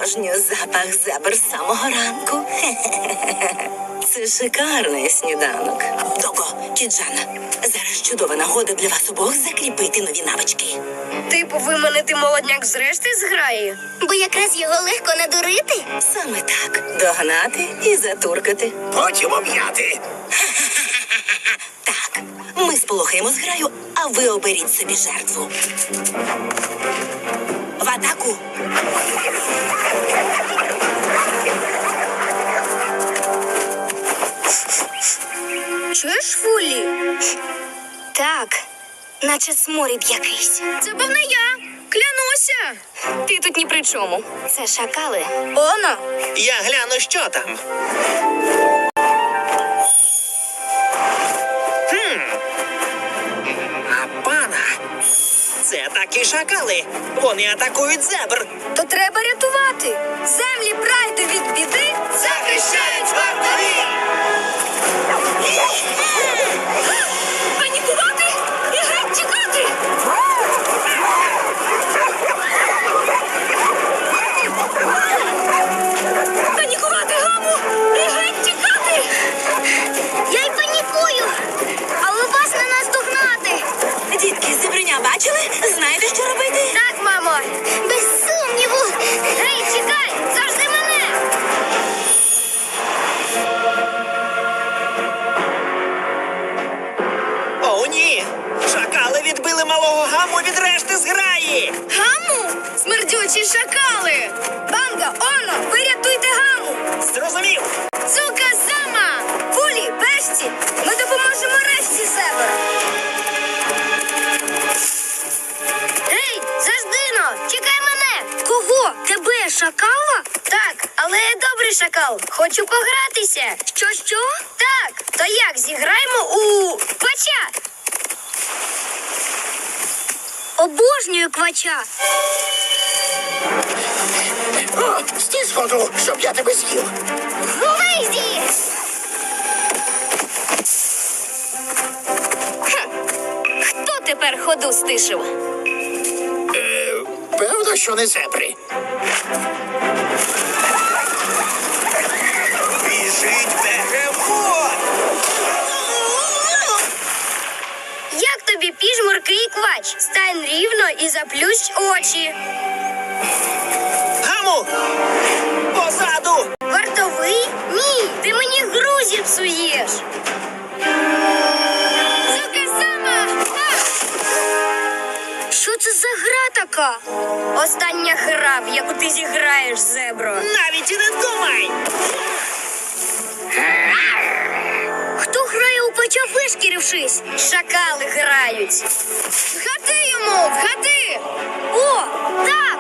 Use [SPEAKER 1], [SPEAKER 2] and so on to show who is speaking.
[SPEAKER 1] Обожнюю запах зебр з самого ранку. Це шикарний сніданок. Дого, Кіджана, зараз чудова нагода для вас обох закріпити нові навички.
[SPEAKER 2] Типу виманити молодняк з решти зграї?
[SPEAKER 3] Бо якраз його легко надурити.
[SPEAKER 1] Саме так. Догнати і затуркати.
[SPEAKER 4] Потім об'яти.
[SPEAKER 1] Так, ми сполохаємо зграю, а ви оберіть собі жертву. В атаку!
[SPEAKER 2] Чуєш, Фулі?
[SPEAKER 3] Так, наче сморід якийсь.
[SPEAKER 2] Це був не я. Клянуся.
[SPEAKER 3] Ти тут ні при чому. Це шакали.
[SPEAKER 2] Оно.
[SPEAKER 4] Я гляну, що там. А пана. Це такі шакали. Вони атакують зебр.
[SPEAKER 2] То треба рятувати. Землі прайду від біди
[SPEAKER 4] Захищають вартові!
[SPEAKER 2] панікувати і геть тікати. Панікувати, Гаму, і геть тікати.
[SPEAKER 3] Я й панікую. Але вас не наздогнати.
[SPEAKER 1] Дітки, зебреня бачили? Знаєте, що робити?
[SPEAKER 2] Так, мамо.
[SPEAKER 3] Без сумніву.
[SPEAKER 2] Гей, чекай, завжди мене.
[SPEAKER 4] О, ні! Шакали відбили малого гаму від решти зграї!
[SPEAKER 2] Гаму? Смердючі шакали. Банга, Оно, ви рятуйте Гаму.
[SPEAKER 4] Зрозумів!
[SPEAKER 2] Цука сама. Фулі, Бешті, ми допоможемо решті зебр. Гей, Заждино, чекай мене. Кого? Тебе, шакала? Так, але я добрий шакал. Хочу погратися. Що? Так, то як зіграємо у квача? Обожнюю квача.
[SPEAKER 4] О, стій сходу, щоб я тебе з'їв!
[SPEAKER 3] Вийди!
[SPEAKER 2] Хто тепер ходу стишив?
[SPEAKER 4] Певно, що не зебри. Біжить бегемот!
[SPEAKER 2] Як тобі піжмурки і квач? Стань рівно і заплющ очі.
[SPEAKER 4] Гаму! Позаду!
[SPEAKER 2] Вартовий? Ні, ти мені гру зіпсуєш. Сука сама! Що це за гра така? Остання гра, в яку ти зіграєш, зебро.
[SPEAKER 4] Навіть і не думай!
[SPEAKER 2] Хто грає у печа, вишкірившись? Шакали грають. Вгади йому, вгади! О, так!